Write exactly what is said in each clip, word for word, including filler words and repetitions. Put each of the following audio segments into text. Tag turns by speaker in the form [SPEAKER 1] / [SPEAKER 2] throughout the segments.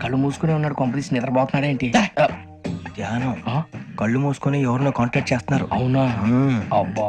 [SPEAKER 1] కళ్ళు మూసుకునే ఉన్నాడు, కొంపదీసి నిద్రపోతున్నాడు ఏంటి?
[SPEAKER 2] ధ్యానం. కళ్ళు మూసుకొని ఎవరినో కాంటాక్ట్ చేస్తున్నారు.
[SPEAKER 1] అవునా? అబ్బా.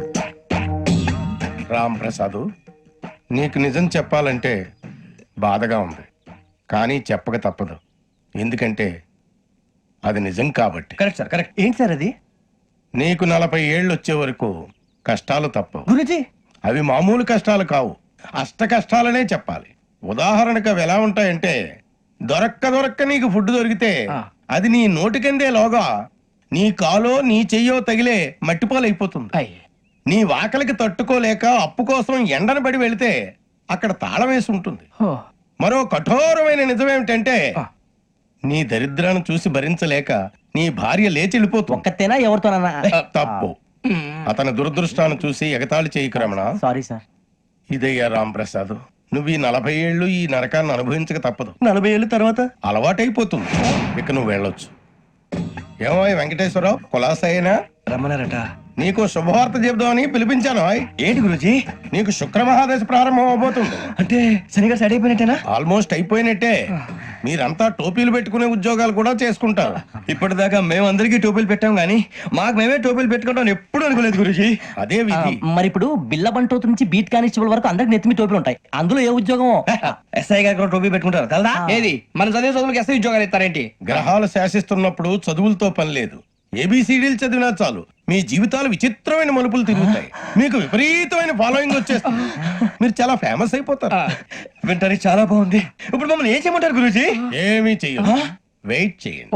[SPEAKER 3] రామ్ ప్రసాద్, నీకు నిజం చెప్పాలంటే బాధగా ఉంది, కానీ చెప్పక తప్పదు. ఎందుకంటే అది నిజం కాబట్టి.
[SPEAKER 2] Correct sir, correct. ఏంటి సార్ అది?
[SPEAKER 3] నీకు నలభై ఏళ్ళు వచ్చే వరకు కష్టాలు తప్పవు
[SPEAKER 2] గురుజీ.
[SPEAKER 3] అవి మామూలు కష్టాలు కావు, అష్ట కష్టాలనే చెప్పాలి. ఉదాహరణకు అవి ఎలా ఉంటాయంటే, దొరక్క దొరక్క నీకు ఫుడ్ దొరికితే అది నీ నోటికందే లోగా నీ కాలో నీ చెయ్యో తగిలే మట్టిపాలైపోతుంది. నీ వాకలికి తట్టుకోలేక అప్పు కోసం ఎండను పడి వెళితే అక్కడ తాళం వేసి ఉంటుంది. మరో కఠోరమైన నిజమేమిటంటే, నీ దరిద్రాన్ని చూసి భరించలేక నీ భార్య లేచి వెళ్ళిపోతుంది.
[SPEAKER 2] ఒక్కతేనా ఎవరితోనన్నా?
[SPEAKER 3] తప్పు. అతని దురదృష్టాన్ని చూసి ఎగతాళి చేయకు రమణ.
[SPEAKER 2] Sorry sir.
[SPEAKER 3] ఇదయ్యా రాంప్రసాద్, నువ్వు ఈ నలభై ఏళ్ళు ఈ నరకాన్ని అనుభవించక తప్పదు.
[SPEAKER 2] నలభై ఏళ్ళ తర్వాత
[SPEAKER 3] అలవాటైపోతుంది, ఇక నువ్వు వెళ్ళొచ్చు. ఏమో వెంకటేశ్వరరావు, కులాసైనా
[SPEAKER 2] రమ్మన్నారట.
[SPEAKER 3] నీకు శుభవార్త చెబుదామని పిలిపించాను.
[SPEAKER 2] ఏంటి గురుజీ?
[SPEAKER 3] నీకు శుక్ర మహాదశ ప్రారంభం అవబోతుంది.
[SPEAKER 2] అంటే శనిగా సెట్ అయిపోయినట్టేనా?
[SPEAKER 3] ఆల్మోస్ట్ అయిపోయినట్టే. మీరంతా టోపీలు పెట్టుకునే ఉద్యోగాలు కూడా చేసుకుంటారు.
[SPEAKER 2] ఇప్పటిదాకా మేమందరికీ టోపీలు పెట్టాం గానీ మాకు మేమే టోపీలు పెట్టుకుంటాం ఎప్పుడు అనుకోలేదు గురుజీ.
[SPEAKER 3] అదే విధి.
[SPEAKER 4] మరి ఇప్పుడు బిల్ల బంటోతు నుంచి బీట్ కానిస్టేబుల్ వరకు అందరికి నెత్తిమి టోపీలు ఉంటాయి. అందులో ఏ ఉద్యోగం?
[SPEAKER 2] ఎస్ఐ గారు కూడా టోపీ పెట్టుకుంటారు కదా?
[SPEAKER 1] ఏది మన చదివే చదువులకు ఎస్ఐ ఉద్యోగాలు ఇస్తారేంటి?
[SPEAKER 3] గ్రహాలు శాసిస్తున్నప్పుడు చదువులతో పని లేదు. ఏబిసిడీలు చదివినా చాలు మీ జీవితాలు విచిత్రమైన మలుపులు తిరుగుతాయి. మీకు విపరీతమైన ఫాలోయింగ్ వచ్చేస్తుంది. మీరు చాలా ఫేమస్ అయిపోతారు.
[SPEAKER 2] వింటానికి చాలా బాగుంది. ఇప్పుడు మమ్మల్ని ఏం చేయమంటారు గురూజీ?
[SPEAKER 3] ఏమీ చెయ్యదు, వెయిట్ చేయండి.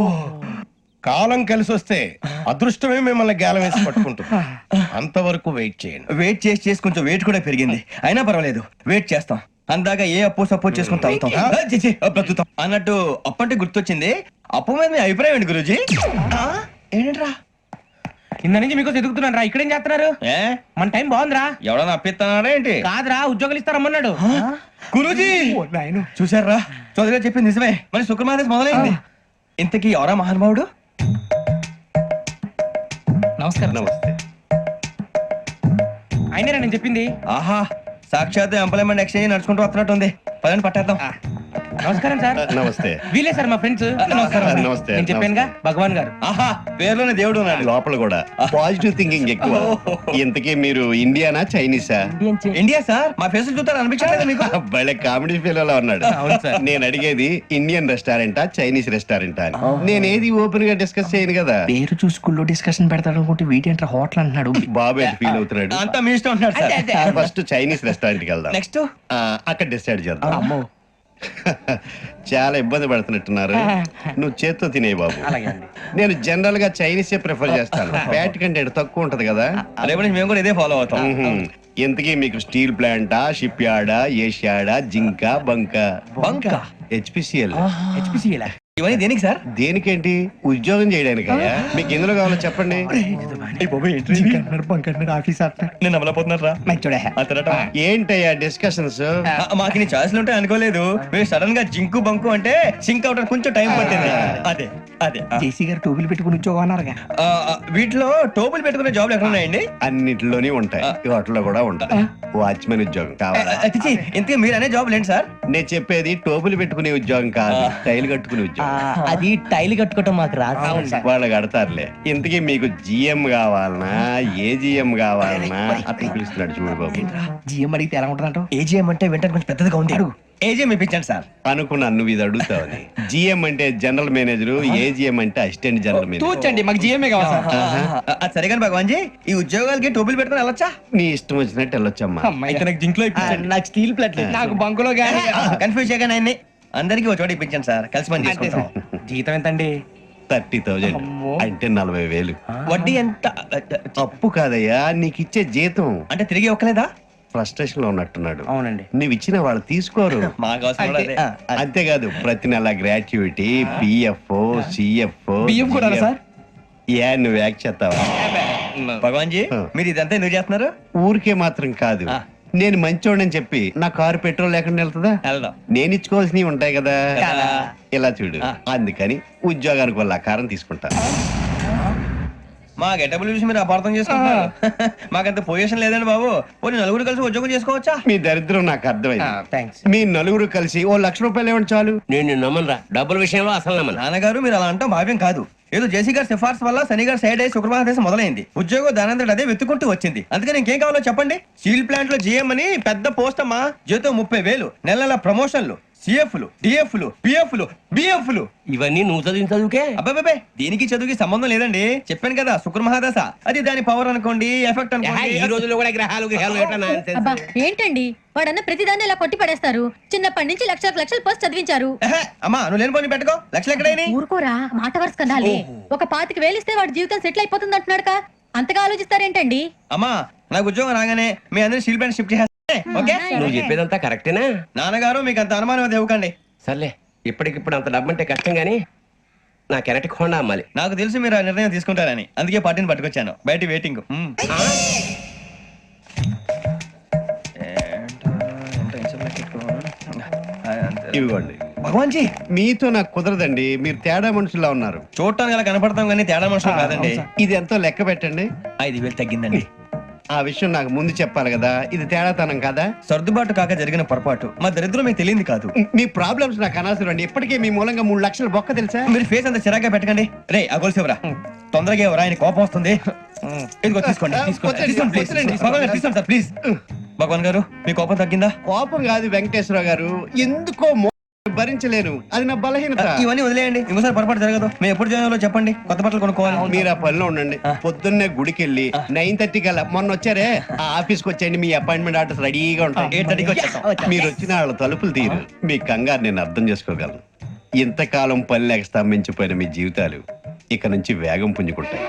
[SPEAKER 3] కాలం కలిసి వస్తే అదృష్టమే మిమ్మల్ని గేలం వేసి పట్టుకుంటుంది. అంతవరకు వెయిట్ చేయండి.
[SPEAKER 2] వెయిట్ చేసి చేసి కొంచెం వెయిట్ కూడా పెరిగింది. అయినా పర్వాలేదు, వెయిట్ చేస్తాం. అందాక ఏ అప్పు సపోర్ట్ చేసుకుని తాగుతాం. ఆ, ఛీ, ఛీ, బ్రతుకుతాం అన్నట్టు. అప్పు అంటే గుర్తొచ్చింది, అప్పు మీద మీ అభిప్రాయం ఏంటి గురూజీ? ఏంటరా
[SPEAKER 1] కింద నుంచి మీకు ఎదుగుతున్నాను రా. ఇక్కడేం చేస్తున్నారు?
[SPEAKER 2] ఏ
[SPEAKER 1] మన టైం బాగుందిరా.
[SPEAKER 2] ఎవడన్నా అప్పిస్తున్నారా ఏంటి?
[SPEAKER 1] కాదురా, ఉద్యోగాలు ఇస్తారమ్మన్నాడు.
[SPEAKER 2] గురూజీ చూసారా, చౌదరిగా చెప్పింది నిజమే. మరి శుక్రమాదేశ్ మొదలైంది. ఇంతకీ ఎవరా మహానుభావుడు?
[SPEAKER 1] నమస్కారం.
[SPEAKER 3] నమస్తే.
[SPEAKER 1] అయినరా నేను చెప్పింది?
[SPEAKER 2] ఆహా, సాక్షాత్ ఎంప్లాయ్మెంట్ ఎక్స్చేంజ్ నడుచుకుంటూ వస్తున్నట్టు ఉంది. పదండి పట్టేద్దాం.
[SPEAKER 1] నమస్కారం సార్.
[SPEAKER 5] నమస్తే.
[SPEAKER 1] వీలే సార్ మా ఫ్రెండ్స్. నమస్కారం.
[SPEAKER 5] నమస్తే.
[SPEAKER 1] నేను చెప్పానుగా భగవాన్ గారు.
[SPEAKER 2] ఆహా, పేర్లోనే దేవుడు ఉన్నాడు.
[SPEAKER 5] లోపల కూడా పాజిటివ్ థింకింగ్ ఎక్కువ. ఇంతకీ మీరు ఇండియానా చైనీసా?
[SPEAKER 2] India sir. మా ఫేస్ చూస్తారు అనిపించలేదు మీకు?
[SPEAKER 5] భలే కామెడీ ఫీల్ అలా ఉన్నాడు. నేను అడిగేది ఇండియన్ రెస్టారెంటా చైనీస్ రెస్టారెంటా అని. నేనేది ఓపెన్ గా డిస్కస్ చేయను కదా.
[SPEAKER 1] పేరు చూసి స్కూల్లో డిస్కషన్ పెడతాడు అనుకుంటే వీటేంట్రా హోటల్ అంటున్నాడు.
[SPEAKER 5] బాబు ఎట్ ఫీల్ అవుతున్నాడు.
[SPEAKER 2] అంతా మీ ఇష్టం ఉంటున్నాడు సార్.
[SPEAKER 5] ఫస్ట్ చైనీస్ రెస్టారెంట్ కి వెళ్దాం.
[SPEAKER 2] నెక్స్ట్
[SPEAKER 5] ఆ, అక్కడ డిసైడ్ చేద్దాం. చాలా ఇబ్బంది పడుతున్నట్టున్నారు. నువ్వు చేత్తో తినే బాబు. నేను జనరల్ గా చైనీసే ప్రిఫర్ చేస్తాను. ఫ్యాట్ కంటెంట్ తక్కువ ఉంటది కదా.
[SPEAKER 2] రేపు నుంచి మేము కూడా ఇదే ఫాలో అవుతాం.
[SPEAKER 5] ఇంతకీ మీకు స్టీల్ ప్లాంటా, షిప్ యార్డా, ఏషియాడా, జింక, బంక?
[SPEAKER 2] బంక.
[SPEAKER 5] హెచ్పిసిఎల్.
[SPEAKER 1] హెచ్పిసిఎల్
[SPEAKER 2] ఇవన్నీ దేనికి సార్?
[SPEAKER 5] దేనికేంటి? ఉద్యోగం చేయడానికి. మీకు ఎందులో కావాలో చెప్పండి.
[SPEAKER 2] నేను అమలపోతున్నారా?
[SPEAKER 5] ఏంటయ్యా డిస్కషన్స్?
[SPEAKER 2] మాకు నీ ఛాయిస్లు ఉంటాయి అనుకోలేదు. మీరు సడన్ గా జింకు బంకు అంటే సింక్ అవడానికి కొంచెం టైం పట్టింది. అదే అదే
[SPEAKER 1] జేసీ గారు టోపీలు పెట్టుకుని ఉద్యోగం అన్నారుగా.
[SPEAKER 2] ఆ, ఆ, వీటిలో టోపులు పెట్టుకునే జాబ్లు ఎక్కడ ఉన్నాయండి?
[SPEAKER 5] అన్నిటిలోనే ఉంటాయి, వాటిలో కూడా ఉంటాయి. వాచ్మెన్ ఉద్యోగం కావాలా?
[SPEAKER 2] అతిచి ఇంతకీ మీరు అనే జాబ్ లేండి సార్?
[SPEAKER 5] నేను చెప్పేది టోపులు పెట్టుకునే ఉద్యోగం కాదు, టైల్ కట్టుకునే ఉద్యోగం.
[SPEAKER 4] అది టైల్ కట్టుకోవటం మాకు రాదు.
[SPEAKER 5] వాళ్ళు కడతారులే. ఇంతకీ మీకు జిఎం కావాలనా, ఏ జిఎం కావాలనా? అతను పిలుస్తున్నాడు చూడు బాబు.
[SPEAKER 1] జిఎం అడిగితే ఎలా ఉంటుందంట?
[SPEAKER 2] ఏజీఎం అంటే వెంటనే కొంచెం పెద్దదిగా ఉంది. ఏజీఎం ఇప్పించండి సార్.
[SPEAKER 5] అనుకున్నాను నువ్వు ఇది అడుగుతావని. జిఎం అంటే జనరల్ మేనేజర్, ఏజిఎం అంటే అసిస్టెంట్ జనరల్ మేనేజర్.
[SPEAKER 1] తూచండి, మాకు జిఎంఏ కావాలి సార్.
[SPEAKER 2] అది సరే కానీ భగవాన్ జీ, ఈ ఉద్యోగాలకి టోపులు పెట్టుకుని వెళ్ళొచ్చా?
[SPEAKER 5] నీ ఇష్టం వచ్చినట్టు వెళ్ళొచ్చమ్మా.
[SPEAKER 2] అయితే నాకు జింక్ లో ఇప్పించండి.
[SPEAKER 4] నాకు స్టీల్ ప్లేట్
[SPEAKER 1] నాకు బంకులో గానీ.
[SPEAKER 2] కన్ఫ్యూజ్ చేయగానే ఆయన్ని అందరికీ ఒక చోట ఇప్పించండి సార్. కలిసి పని చేసుకుంటాం.
[SPEAKER 1] జీతం ఎంతండి?
[SPEAKER 5] థర్టీ థౌజండ్ అంటే నలభై వేలు.
[SPEAKER 2] వడ్డీ ఎంత?
[SPEAKER 5] అప్పు కాదయ్యా, నీకు ఇచ్చే జీతం.
[SPEAKER 2] అంటే తిరిగి ఒక్కలేదా?
[SPEAKER 5] ఫ్రస్ట్రేషన్ లో ఉన్నట్టున్నాడు.
[SPEAKER 1] అవునండి.
[SPEAKER 5] నువ్వు ఇచ్చిన వాళ్ళు తీసుకోరు.
[SPEAKER 2] మాకు అవసరం కూడా అదే.
[SPEAKER 5] అంతేకాదు ప్రతి నెల గ్రాట్యుటీ, పిఎఫ్, సిఎఫ్.
[SPEAKER 1] బియ్యం కూడా సార్?
[SPEAKER 5] ఏ నువ్వు యాక్ చేస్తావా?
[SPEAKER 2] భగవాన్ జీ, మీరు ఇదంతా ఎందుకు చేస్తున్నారు?
[SPEAKER 5] ఊరికే మాత్రం కాదు, నేను మంచోడని చెప్పి నా కారు పెట్రోల్ లేకుండా వెళ్తుందా?
[SPEAKER 2] వెళ్దాం.
[SPEAKER 5] నేను ఇచ్చుకోవాల్సినవి ఉంటాయి కదా. ఇలా చూడు,
[SPEAKER 2] ఆ.
[SPEAKER 5] అందుకని ఉద్యోగానికి వాళ్ళ ఆకారం తీసుకుంటా.
[SPEAKER 2] మా గెటబుల్ చూసి మీరు అపార్థం చేసుకుంటున్నారు. మాకంత పొజిషన్ లేదండి బాబు. పోనీ నలుగురు కలిసి ఉద్యోగం చేసుకోవచ్చా?
[SPEAKER 5] మీ దరిద్రం నాకు అర్థమైంది.
[SPEAKER 1] థ్యాంక్స్.
[SPEAKER 5] మీ నలుగురు కలిసి ఓ లక్ష రూపాయలు ఇవ్వండి చాలు.
[SPEAKER 6] నేను నమ్మనరా డబ్బుల విషయంలో అసలు నమ్మను.
[SPEAKER 2] నాన్నగారు మీరు అలా అంటాం భావ్యం కాదు. ఏదో జేసీ గారి సిఫార్సు వల్ల శని గారు సైడ్ అయ్యి శుక్రవారం దేశం మొదలైంది. ఉద్యోగం దానంతటి అదే వెతుకుంటూ వచ్చింది. అందుకని ఇంకేం కావాలో చెప్పండి. స్టీల్ ప్లాంట్ లో జీఎం అని పెద్ద పోస్ట్ అమ్మా. జీతం ముప్పై వేలు, నెల నెల ప్రమోషన్లు, సిఎఫ్లు, డిఎఫ్లు, పిఎఫ్లు, బిఎఫ్లు.
[SPEAKER 6] ఇవన్నీ నువ్వు చదివిన చదువుకే.
[SPEAKER 2] అబ్బాబే దీనికి చదువుకి సంబంధం లేదండి. చెప్పాను కదా శుక్ర మహాదశ. అది దాని పవర్ అనుకోండి, ఎఫెక్ట్
[SPEAKER 6] ఏహే, ఈ
[SPEAKER 2] అనుకోండి.
[SPEAKER 6] రోజుల్లో కూడా గ్రహాలు గ్రహాలు ఏటా nonsense?
[SPEAKER 7] అబ్బా ఏంటండి వాడన్న ప్రతిదాన్ని ఇలా కొట్టి పడేస్తారు. చిన్నప్పటి నుంచి లక్షలకు లక్షలు పోస్ట్ చదివించారు.
[SPEAKER 2] ఎహె, అమ్మా నువ్వు లేని పోనీ పెట్టుకో. లక్షలు ఎక్కడైనా
[SPEAKER 7] ఊరుకోరా మాట వరుస కదాలే. ఒక పాతికి వేలిస్తే వాడి జీవితం సెటిల్ అయిపోతుంది అంటున్నాడు. అంతగా ఆలోచిస్తారేంటండి?
[SPEAKER 2] అమ్మా నాకు ఉద్యోగం రాగానే మీ అందరూ స్టీల్ ప్లాంట్ షిఫ్ట్ చేస్తే ఓకే.
[SPEAKER 6] నువ్వు చెప్పేదంతా కరెక్టేనా?
[SPEAKER 2] నాన్నగారు మీకు అంత అనుమానం అది ఇవ్వకండి.
[SPEAKER 6] సర్లే, ఇప్పటికిప్పుడు అంత డబ్బు అంటే కష్టం గానీ నా కెనటిక్ హోండా అమ్మాలి.
[SPEAKER 2] నాకు తెలుసు మీరు ఆ నిర్ణయం తీసుకుంటారని, అందుకే పార్టీని పట్టుకొచ్చాను. బయట వెయిటింగ్. మ్మ్.
[SPEAKER 5] ఇవ్వండి.
[SPEAKER 2] భగవాన్ జీ
[SPEAKER 5] మీతో నాకు కుదరదండి. మీరు తేడా మనుషుల్లా ఉన్నారు.
[SPEAKER 2] చూడటానికి అలా కనపడతాం కానీ తేడా మనుషులు కాదండి.
[SPEAKER 5] ఇది ఎంతో లెక్క పెట్టండి.
[SPEAKER 2] ఐదు వేలు తగ్గిందండి.
[SPEAKER 5] ఆ విషయం నాకు ముందు చెప్పాలి కదా. ఇది తేడాతనం కదా.
[SPEAKER 2] సర్దుబాటు కాక జరిగిన పొరపాటు. మా దరిద్రం మీకు తెలియదు కాదు.
[SPEAKER 5] మీ ప్రాబ్లమ్స్ నాకు అనవసరం అండి. ఇప్పటికే మీ మూలంగా మూడు లక్షలు బొక్క తెలుసా?
[SPEAKER 2] మీరు ఫేస్ అంత చిరాగ్గా పెట్టకండి. రే ఆ గొలుసు ఎవరా? తొందరగా ఎవరా? ఆయన కోపం వస్తుంది. ఇదిగో తీసుకోండి. తీసుకోండి.
[SPEAKER 5] వద్దండి,
[SPEAKER 2] తీసుకోండి, please.
[SPEAKER 5] వద్దండి.
[SPEAKER 2] భగవాన్ గారు, తీసుకోండి సార్ ప్లీజ్. భగవాన్ గారు మీ కోపం తగ్గిందా?
[SPEAKER 5] కోపం కాదు వెంకటేశ్వర గారు, ఎందుకో మో- భరించలేను. అది నా బలహీనత.
[SPEAKER 2] ఇవన్నీ వదిలేయండి. ఇంకోసారి పొరపాటు జరగదు. మేము ఎప్పుడు జాయిన్ చెప్పండి. కొత్త బట్టలు కొనుక్కోవాలి.
[SPEAKER 5] మీరు ఆ పనిలో ఉండండి. పొద్దున్నే గుడికి వెళ్ళి నైన్ థర్టీ కల్లా మొన్న వచ్చారే ఆ ఆఫీస్కి వచ్చేయండి. మీ అపాయింట్మెంట్ ఆర్డర్స్ రెడీగా ఉంటాయి.
[SPEAKER 2] ఎయిట్ థర్టీకి వచ్చేస్తాం.
[SPEAKER 5] మీరు వచ్చిన వాళ్ళ తలుపులు తీరు. మీ కంగారు నేను అర్థం చేసుకోగలను. ఇంతకాలం పని లేక స్తంభించిపోయిన మీ జీవితాలు ఇక నుంచి వేగం పుంజుకుంటాయి.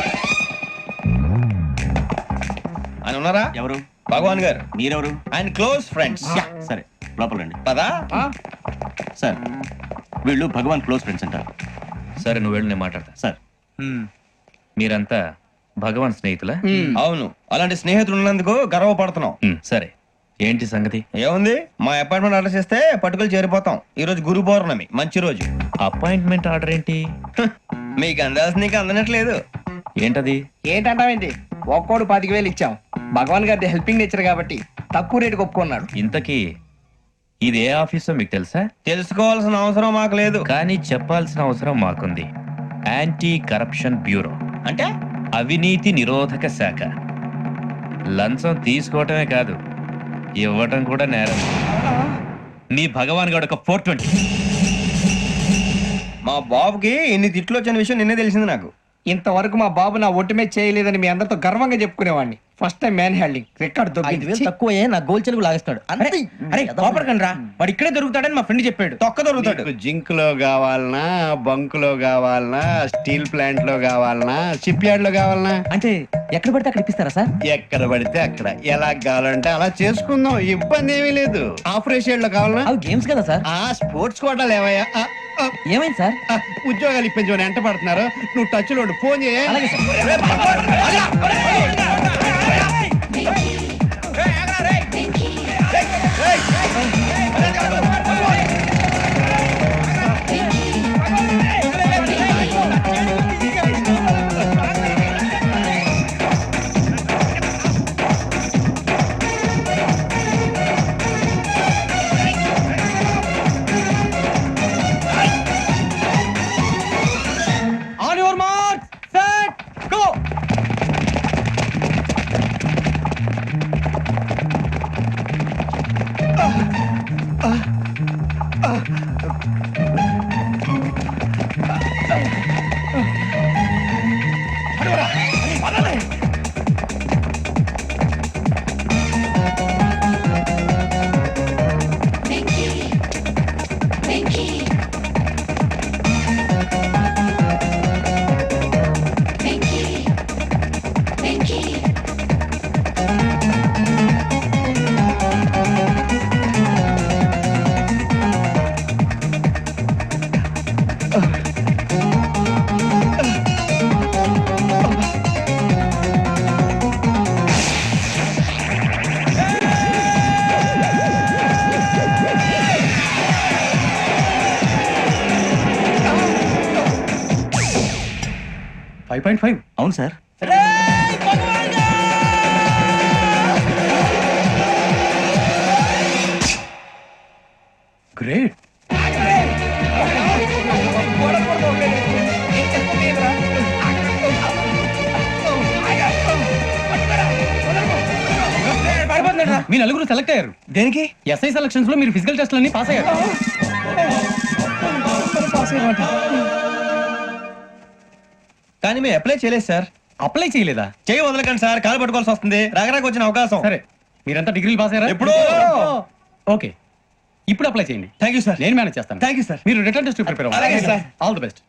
[SPEAKER 2] ఆయన ఉన్నారా?
[SPEAKER 8] ఎవరు?
[SPEAKER 2] భగవాన్ గారు.
[SPEAKER 8] మీరెవరు?
[SPEAKER 2] ఆయన క్లోజ్ ఫ్రెండ్స్.
[SPEAKER 8] సరే లోపల రండి.
[SPEAKER 2] పదా?
[SPEAKER 8] సార్ వీళ్ళు భగవాన్ క్లోజ్ ఫ్రెండ్స్ అంటారు.
[SPEAKER 9] సరే నువ్వు వెళ్ళు, నేను మాట్లాడతా.
[SPEAKER 8] సార్
[SPEAKER 9] మీరంతా భగవాన్ స్నేహితులా?
[SPEAKER 2] అవును. అలాంటి స్నేహితులు ఉన్నందుకు గర్వపడుతున్నాం.
[SPEAKER 9] సరే ఏంటి సంగతి?
[SPEAKER 2] ఏముంది, మా అపాయింట్మెంట్ ఆర్డర్ చేస్తే పట్టుకులు చేరిపోతాం. ఈ రోజు గురు పౌర్ణమి, మంచి రోజు.
[SPEAKER 9] అపాయింట్మెంట్ ఆర్డర్ ఏంటి?
[SPEAKER 2] హ్, మీకు అందాల్సిన నీకు అందనట్లేదు.
[SPEAKER 9] ఏంటది?
[SPEAKER 1] ఏంటంటావేంటి? ఒక్కోడు పాతిక వేలు ఇచ్చాం. భగవాన్ గారి హెల్పింగ్ నేచర్ కాబట్టి తక్కువ రేటుకి ఒప్పుకున్నాడు.
[SPEAKER 9] ఇంతకీ ఇది ఏ ఆఫీసో మీకు తెలుసా?
[SPEAKER 2] తెలుసుకోవాల్సిన అవసరం మాకు లేదు.
[SPEAKER 9] కానీ చెప్పాల్సిన అవసరం మాకుంది. యాంటీ కరప్షన్ బ్యూరో
[SPEAKER 2] అంటే
[SPEAKER 9] అవినీతి నిరోధక శాఖ. లంచం తీసుకోవటమే కాదు, ఇవ్వటం కూడా నేరం. నీ భగవాన్ గారు ఒక ఫోర్ ట్వంటీ.
[SPEAKER 2] మా బాబుకి ఇన్ని తిట్లు వచ్చిన విషయం నిన్నే తెలిసింది నాకు.
[SPEAKER 1] ఇంతవరకు మా బాబు నా ఒట్టుమే చేయలేదని మీ అందరితో గర్వంగా చెప్పుకునేవాడిని. First time man handing record
[SPEAKER 4] ఐదు వేలు
[SPEAKER 1] దొబ్బింది.
[SPEAKER 4] తక్కువ నా గోల్ చెలుగు లాగేస్తాడు.
[SPEAKER 1] అరే అరే కోపడకండి రా, వాడు ఇక్కడే దొరుకుతాడని మా ఫ్రెండ్ చెప్పాడు.
[SPEAKER 2] తొక్క దొరుకుతాడు.
[SPEAKER 5] మీకు జింక్ లో కావాలనా, బంక్ లో కావాలనా, స్టీల్ ప్లాంట్ లో కావాలనా, షిప్ యార్డ్ లో కావాలనా?
[SPEAKER 4] అంటే ఎక్కడ పడితే అక్కడ ఇప్పిస్తారా సార్?
[SPEAKER 5] ఎక్కడ పడితే అక్కడ ఎలా కావాలంటే అలా చేసుకుందాం. ఇబ్బంది ఏమీ లేదు. ఆపరేషన్ లో కావాలనా?
[SPEAKER 4] అవి గేమ్స్ కదా సార్.
[SPEAKER 5] ఆ స్పోర్ట్స్ కోటాలు ఏవయ్యా? ఆ, ఆ,
[SPEAKER 4] ఏమైంది సార్?
[SPEAKER 5] ఆ, ఉద్యోగాలు ఇప్పించమని ఎంట పడుతున్నారు. నువ్వు టచ్ లో ఉండు. ఫోన్ చేయ.
[SPEAKER 4] అలాగే sir.
[SPEAKER 2] On your mark set go.
[SPEAKER 10] Five point five
[SPEAKER 8] అవును సార్.
[SPEAKER 10] గ్రేట్. మీ నలుగురు సెలెక్ట్ అయ్యారు.
[SPEAKER 2] దేనికి?
[SPEAKER 10] ఎస్ఐ సెలక్షన్స్ లో మీరు ఫిజికల్ టెస్ట్ అన్ని పాస్ అయ్యారు.
[SPEAKER 2] కానీ మేము అప్లై చేయలేదు సార్.
[SPEAKER 10] అప్లై చేయలేదా?
[SPEAKER 2] చేయి వదలకండి సార్, కాలు పట్టుకోవాల్సి వస్తుంది. రాగరాకు వచ్చిన అవకాశం.
[SPEAKER 10] సరే, మీరంతా డిగ్రీలు పాస్ అయ్యారా?
[SPEAKER 2] ఎప్పుడో.
[SPEAKER 10] ఓకే, ఇప్పుడు అప్లై చేయండి.
[SPEAKER 2] Thank you sir.
[SPEAKER 10] నేను మేనేజ్ చేస్తాను.
[SPEAKER 2] Thank you sir.
[SPEAKER 10] మీరు రిటర్న్ టెస్ట్ ప్రిపేర్
[SPEAKER 2] అలాగే
[SPEAKER 10] అవ్వాలి.
[SPEAKER 2] సార్.
[SPEAKER 10] All the best.